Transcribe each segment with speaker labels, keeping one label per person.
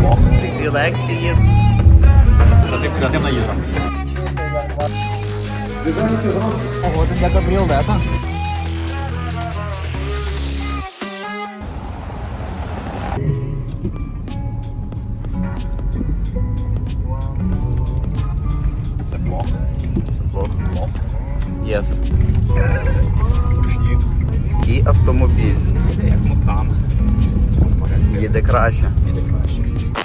Speaker 1: Дві лекції.
Speaker 2: Креативна їжа.
Speaker 1: Погода для кабріолета.
Speaker 2: Це плохо.
Speaker 1: Це плохо. Єс.
Speaker 2: Ручні.
Speaker 1: І автомобіль.
Speaker 2: Як Мустанг.
Speaker 1: Їде краще.
Speaker 2: Іде краще.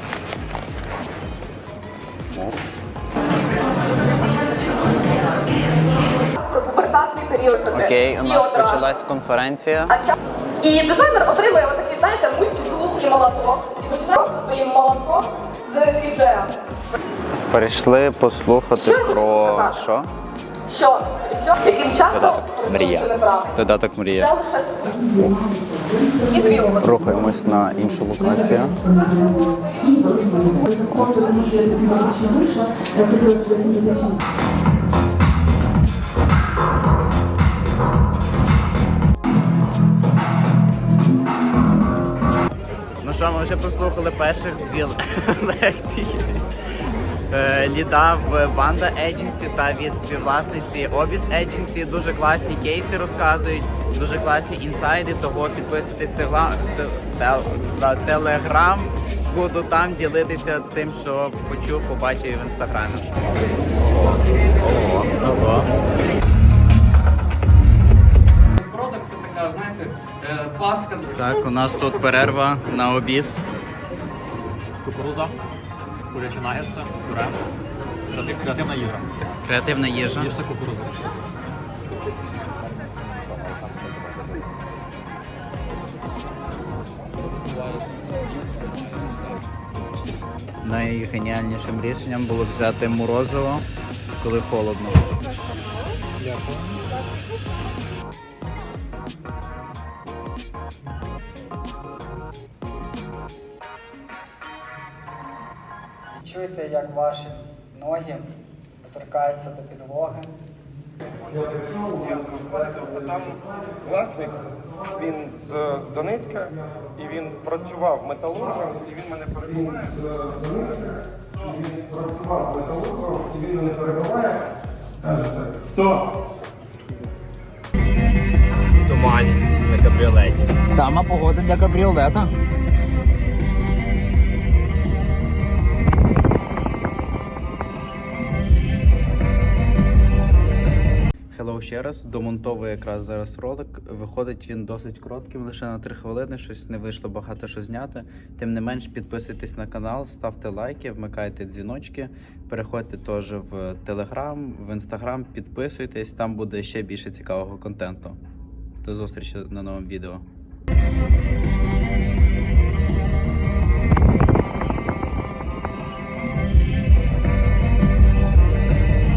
Speaker 3: Пубертатний період.
Speaker 1: Окей, у нас почалась конференція.
Speaker 3: І дизайнер отримує отакий, знаєте, мультитул і молоток. І починає просто своїм молотком з CGI.
Speaker 1: Перейшли послухати
Speaker 3: Що я можу
Speaker 1: про
Speaker 3: сказати?
Speaker 1: що?
Speaker 3: Що? Яким часом
Speaker 1: Додаток «Мрія».
Speaker 3: це неправда.
Speaker 1: Додаток
Speaker 3: Це
Speaker 1: мрія.
Speaker 3: лише і звіло.
Speaker 1: Рухаємось на іншу локацію. Ну що, ми вже прослухали перших дві лекції. Ліда в Banda Agency та від співвласниці Obis Agency. Дуже класні кейси розказують, дуже класні інсайди, того підписуйтесь на Телеграм. Буду там ділитися тим, що почув, побачив в інстаграмі. Ого.
Speaker 4: Продакт це така, знаєте, пастка.
Speaker 1: Так, у нас тут перерва на обід.
Speaker 2: Кукуруза. Курячі нагетси. Пюре. Креативна їжа.
Speaker 1: Креативна їжа.
Speaker 2: Їжте кукурузу.
Speaker 1: Найгеніальнішим рішенням було взяти морозиво, коли холодно.
Speaker 2: Дякую.
Speaker 5: Відчуйте, як ваші ноги доторкаються до підлоги.
Speaker 6: Там власник, він з Донецька, і він працював металургом, і він мене перебуває з Донецька, і він працював металургом, і він мене перебуває. Каже так, стоп!
Speaker 2: В тумані на кабріолеті.
Speaker 1: Сама погода для кабріолета. Hello ще раз, домонтовую якраз зараз ролик. Виходить він досить коротким, лише на 3 хвилини, щось не вийшло багато що зняти. Тим не менш, підписуйтесь на канал, ставте лайки, вмикайте дзвіночки, переходьте теж в Телеграм, в Інстаграм, підписуйтесь, там буде ще більше цікавого контенту. До зустрічі на новому відео.